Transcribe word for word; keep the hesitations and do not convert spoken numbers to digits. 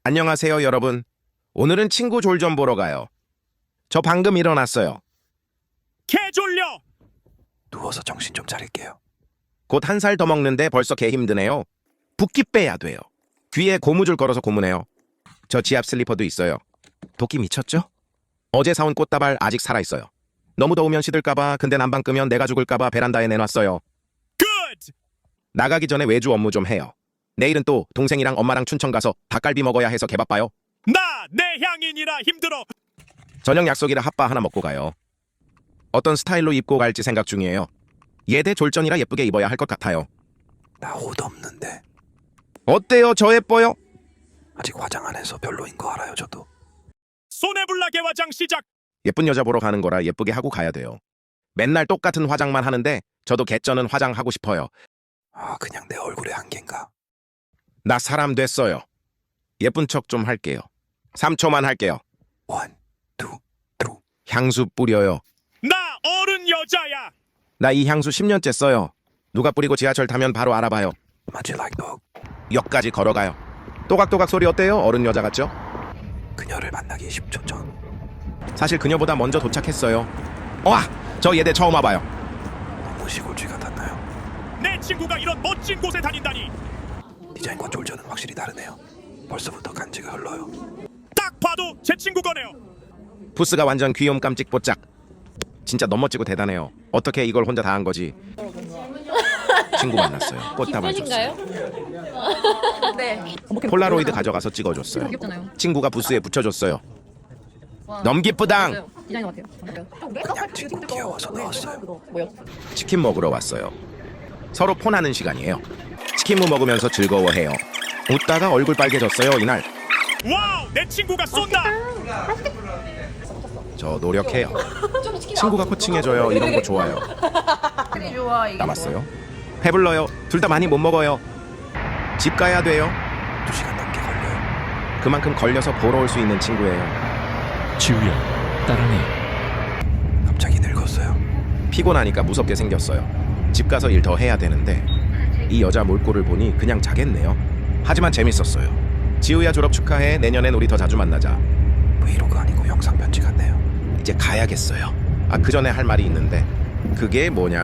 안녕하세요, 여러분. 오늘은 친구 졸 좀 보러 가요. 저 방금 일어났어요. 개 졸려! 누워서 정신 좀 차릴게요. 곧 한 살 더 먹는데 벌써 개 힘드네요. 붓기 빼야 돼요. 귀에 고무줄 걸어서 고무네요. 저 지압 슬리퍼도 있어요. 도끼 미쳤죠? 어제 사온 꽃다발 아직 살아있어요. 너무 더우면 시들까봐, 근데 난방 끄면 내가 죽을까봐 베란다에 내놨어요. 굿! 나가기 전에 외주 업무 좀 해요. 내일은 또 동생이랑 엄마랑 춘천 가서 닭갈비 먹어야 해서 개바빠요. 나 내향인이라 힘들어. 저녁 약속이라 핫바 하나 먹고 가요. 어떤 스타일로 입고 갈지 생각 중이에요. 예대 졸전이라 예쁘게 입어야 할 것 같아요. 나 옷 없는데. 어때요? 저 예뻐요? 아직 화장 안 해서 별로인 거 알아요, 저도. 손해불라 개화장 시작. 예쁜 여자 보러 가는 거라 예쁘게 하고 가야 돼요. 맨날 똑같은 화장만 하는데 저도 개쩌는 화장하고 싶어요. 아, 그냥 내 얼굴에 한계인가? 나 사람 됐어요. 예쁜 척 좀 할게요. 삼 초만 할게요. 원, 투, 트루. 향수 뿌려요. 나 어른 여자야. 나 이 향수 십 년째 써요. 누가 뿌리고 지하철 타면 바로 알아봐요. 마치 like dog. 역까지 걸어가요. 또각또각 소리 어때요? 어른 여자 같죠? 그녀를 만나기 십 초 전. 사실 그녀보다 먼저 도착했어요. 와! 저 예대 처음 와봐요. 너무 시골쥐 같았나요? 내 친구가 이런 멋진 곳에 다닌다니. 디자인과 졸전은 확실히 다르네요. 벌써부터 간지가 흘러요. 딱 봐도 제 친구 거네요. 부스가 완전 귀염 깜찍 뽀짝. 진짜 너무 멋지고 대단해요. 어떻게 이걸 혼자 다 한 거지? 친구 만났어요. 꽃다발 줬어요. 기쁘신가요? 네. 폴라로이드 가져가서 찍어줬어요. 귀엽잖아요. 친구가 부스에 붙여줬어요. 너무 기쁘당! 디자이너 같아요. 그냥 친구 귀여워서 넣었어요. 뭐요? 치킨 먹으러 왔어요. 서로 폰하는 시간이에요. 치킨무 먹으면서 즐거워해요. 웃다가 얼굴 빨개졌어요, 이날. 와우, 내 친구가 쏜다. 저 노력해요. 친구가 코칭해줘요. 이런 거 좋아요. 좋아 이게. 남았어요. 배불러요. 둘 다 많이 못 먹어요. 집 가야 돼요. 두 시간 넘게 걸려요. 그만큼 걸려서 보러 올 수 있는 친구예요. 지우야, 따라해. 갑자기 늙었어요. 피곤하니까 무섭게 생겼어요. 집 가서 일 더 해야 되는데 이 여자 몰골을 보니 그냥 자겠네요. 하지만 재밌었어요. 지우야 졸업 축하해. 내년엔 우리 더 자주 만나자. 브이로그 아니고 영상 편지 같네요. 이제 가야겠어요. 아, 그 전에 할 말이 있는데 그게 뭐냐?